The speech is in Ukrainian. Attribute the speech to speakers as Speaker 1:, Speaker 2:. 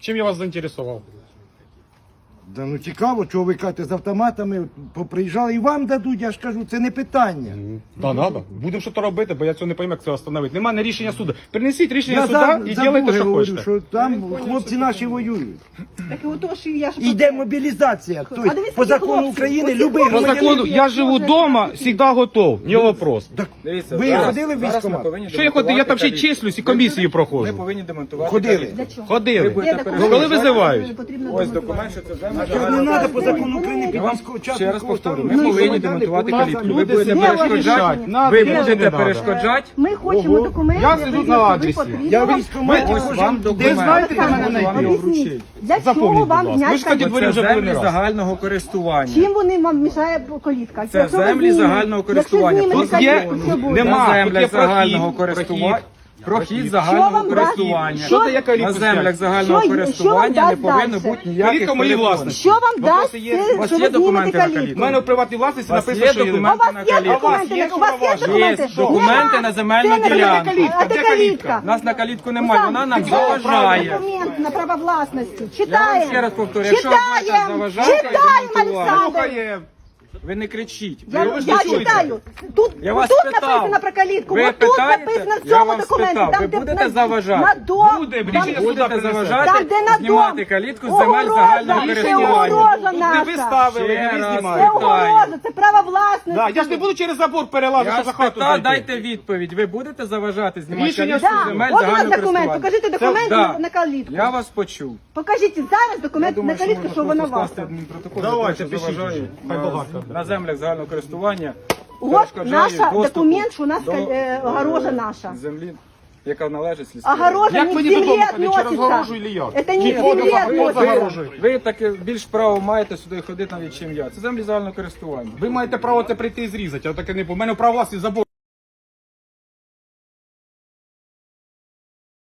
Speaker 1: Чим я вас заінтересував?
Speaker 2: Да ну цікаво, чого ви кажете, з автоматами поприїжджали і вам дадуть, я ж кажу, це не питання.
Speaker 1: Да, надо. Будемо щось робити, бо я цього не пойму, як це встановити. Немає рішення суду. Принесіть рішення
Speaker 2: Я
Speaker 1: суда і ділайте, що
Speaker 2: говорю,
Speaker 1: хочете.
Speaker 2: що там хлопці наші воюють.
Speaker 3: Так і отож, я ж...
Speaker 2: Іде мобілізація. Тобто,
Speaker 3: А дивіться,
Speaker 2: по закону
Speaker 3: хлопці,
Speaker 2: України
Speaker 3: оці
Speaker 2: любий
Speaker 1: По
Speaker 3: хлопці,
Speaker 2: громадянин.
Speaker 1: закону, я живу вдома, завжди готов, не вопрос.
Speaker 2: Так,
Speaker 4: Дивіться,
Speaker 2: ви
Speaker 4: зараз-
Speaker 2: ходили в
Speaker 4: зараз ми
Speaker 2: військкомат?
Speaker 4: повинні
Speaker 1: Що я ходив? Я там ще й
Speaker 4: демонтувати
Speaker 1: числюсь і комісії
Speaker 4: Ми
Speaker 1: проходжу.
Speaker 4: повинні демонтувати
Speaker 2: Ходили.
Speaker 4: калітку.
Speaker 3: Для чого?
Speaker 1: Ходили.
Speaker 4: будете
Speaker 1: Коли визивають?
Speaker 4: Ось документ, що це земля.
Speaker 2: Що не треба по закону України під
Speaker 4: Я вам
Speaker 2: військового
Speaker 4: ще раз повторю,
Speaker 2: стану.
Speaker 4: ми
Speaker 2: Ну,
Speaker 4: повинні
Speaker 2: що ви
Speaker 4: демонтувати
Speaker 2: дали?
Speaker 4: калітку. Ви
Speaker 1: Люди
Speaker 4: будете
Speaker 1: собі
Speaker 4: перешкоджати,
Speaker 1: рішать, надо,
Speaker 4: ви
Speaker 1: не
Speaker 4: будете
Speaker 1: надо.
Speaker 4: перешкоджати.
Speaker 3: Ми хочемо документи.
Speaker 1: Я сиджу на адресі.
Speaker 2: Я в військкоматі
Speaker 4: Ось
Speaker 2: хожу.
Speaker 4: вам
Speaker 2: Де
Speaker 4: документ.
Speaker 2: знаєте, де мене
Speaker 4: Вам
Speaker 2: знайти?
Speaker 4: його вручить.
Speaker 3: Для чого
Speaker 1: Запомніть, будь
Speaker 3: вам
Speaker 1: ласка. Ви
Speaker 3: зняти
Speaker 1: ж тоді
Speaker 3: калітку?
Speaker 1: дворі
Speaker 4: Це
Speaker 1: вже були не
Speaker 4: землі
Speaker 1: раз.
Speaker 4: загального користування.
Speaker 3: Чим вони вам мішає калітка?
Speaker 4: Це
Speaker 3: Якщо ви
Speaker 4: землі
Speaker 3: знімете-
Speaker 4: загального користування.
Speaker 3: Якщо
Speaker 4: Тут
Speaker 3: знімете
Speaker 1: є-
Speaker 3: калітку, що буде?
Speaker 1: нема.
Speaker 4: На
Speaker 1: тут є
Speaker 4: землях загального
Speaker 1: прохід,
Speaker 4: користування. Прохід
Speaker 3: Що
Speaker 4: загального
Speaker 3: вам дасть?
Speaker 4: користування.
Speaker 3: Що-
Speaker 1: Що дає калітку
Speaker 4: На землях
Speaker 1: зняти?
Speaker 4: загального
Speaker 3: Що-
Speaker 4: користування
Speaker 3: що
Speaker 4: не
Speaker 3: вам
Speaker 4: повинно
Speaker 3: дасть
Speaker 4: бути
Speaker 3: дальше?
Speaker 4: ніяких
Speaker 1: Калітка моєї
Speaker 4: перепон.
Speaker 1: власності.
Speaker 3: Що вам дасть,
Speaker 1: Вопроси є?
Speaker 3: це,
Speaker 4: У вас
Speaker 3: що
Speaker 4: є
Speaker 3: ви знімете
Speaker 4: документи на
Speaker 1: У
Speaker 3: калітку?
Speaker 1: мене в приватній власності
Speaker 4: У вас
Speaker 1: написано,
Speaker 4: є
Speaker 1: що є.
Speaker 3: А у
Speaker 4: документи
Speaker 3: вас
Speaker 4: на
Speaker 3: є
Speaker 4: калітку?
Speaker 3: документи?
Speaker 1: Є
Speaker 3: У вас є
Speaker 1: повноваження?
Speaker 3: документи?
Speaker 4: Є документи на земельну
Speaker 3: Це не
Speaker 4: ділянку.
Speaker 3: калітка,
Speaker 1: Де
Speaker 3: це
Speaker 1: калітка?
Speaker 3: калітка.
Speaker 4: Нас на калітку немає, вона нам
Speaker 3: Читаємо
Speaker 4: заважає.
Speaker 3: документ на право власності.
Speaker 4: Я вам
Speaker 3: Читаємо.
Speaker 4: ще раз повторю, якщо вам це
Speaker 3: Читаємо.
Speaker 4: заважає,
Speaker 3: Читаємо,
Speaker 4: демонтувати.
Speaker 3: Олександр.
Speaker 4: Ви не кричіть.
Speaker 3: Я
Speaker 4: Ви ж не чуєте.
Speaker 3: читаю. Тут,
Speaker 4: Я вас
Speaker 3: тут
Speaker 4: питав.
Speaker 3: написано про калітку.
Speaker 4: Ви
Speaker 3: От тут
Speaker 4: питаєте?
Speaker 3: написано в
Speaker 4: Я
Speaker 3: цьому
Speaker 4: вам
Speaker 3: документі.
Speaker 4: спитав.
Speaker 3: Там,
Speaker 4: Ви
Speaker 3: де
Speaker 4: будете
Speaker 3: на-
Speaker 4: заважати?
Speaker 3: На дом.
Speaker 1: Буде,
Speaker 3: Там-
Speaker 1: рішення суду
Speaker 4: Будете
Speaker 1: принесе.
Speaker 4: заважати
Speaker 3: Там, де на
Speaker 4: знімати
Speaker 3: дом.
Speaker 4: калітку з земель
Speaker 3: Огорожа.
Speaker 4: загального
Speaker 3: Це
Speaker 4: користування.
Speaker 3: огорожа
Speaker 1: Тут не ви
Speaker 3: наша.
Speaker 1: ставили,
Speaker 4: Ще
Speaker 1: не ви
Speaker 4: раз.
Speaker 3: Це
Speaker 1: знімаєте.
Speaker 3: огорожа, це право власності.
Speaker 1: Да, я ж не буду через забор перелазити,
Speaker 4: Я
Speaker 1: щоб за хату
Speaker 4: спитав,
Speaker 1: зайти.
Speaker 4: дайте відповідь. Ви будете заважати знімати
Speaker 1: Рішення
Speaker 4: калітку з
Speaker 3: Да.
Speaker 4: земель
Speaker 3: От у нас
Speaker 4: загального
Speaker 3: документ.
Speaker 4: користування?
Speaker 3: Покажіть документ
Speaker 4: Да.
Speaker 3: на калітку.
Speaker 4: Я вас почув.
Speaker 3: Покажіть зараз
Speaker 4: Я
Speaker 3: документ на
Speaker 4: думаю, що
Speaker 3: калітку,
Speaker 4: можна
Speaker 3: що вона
Speaker 4: просто
Speaker 3: ваша.
Speaker 4: скласти адмінпротокол,
Speaker 1: Давайте,
Speaker 4: що
Speaker 1: пишіть
Speaker 4: заважаю
Speaker 1: вже. Хай багато.
Speaker 4: на землях загального користування.
Speaker 3: От
Speaker 4: перешкоджаю
Speaker 3: наша
Speaker 4: доступу
Speaker 3: документ, що у нас
Speaker 4: до,
Speaker 3: огорожа наша.
Speaker 4: землі, яка належить сільській раді.
Speaker 3: Огорожа
Speaker 1: Як
Speaker 3: не к
Speaker 1: мені
Speaker 3: земле
Speaker 1: додому ходити, через
Speaker 3: относится.
Speaker 1: огорожу или як?
Speaker 3: Это не
Speaker 1: Чи
Speaker 3: к
Speaker 1: входу
Speaker 3: земле
Speaker 1: за- вход
Speaker 3: относится.
Speaker 1: загорожує?
Speaker 4: Ви таке більш право маєте сюди ходити навіть, чим я. Це землі загального користування.
Speaker 1: Ви маєте право це прийти і зрізати, а таке не по мене право власності забор.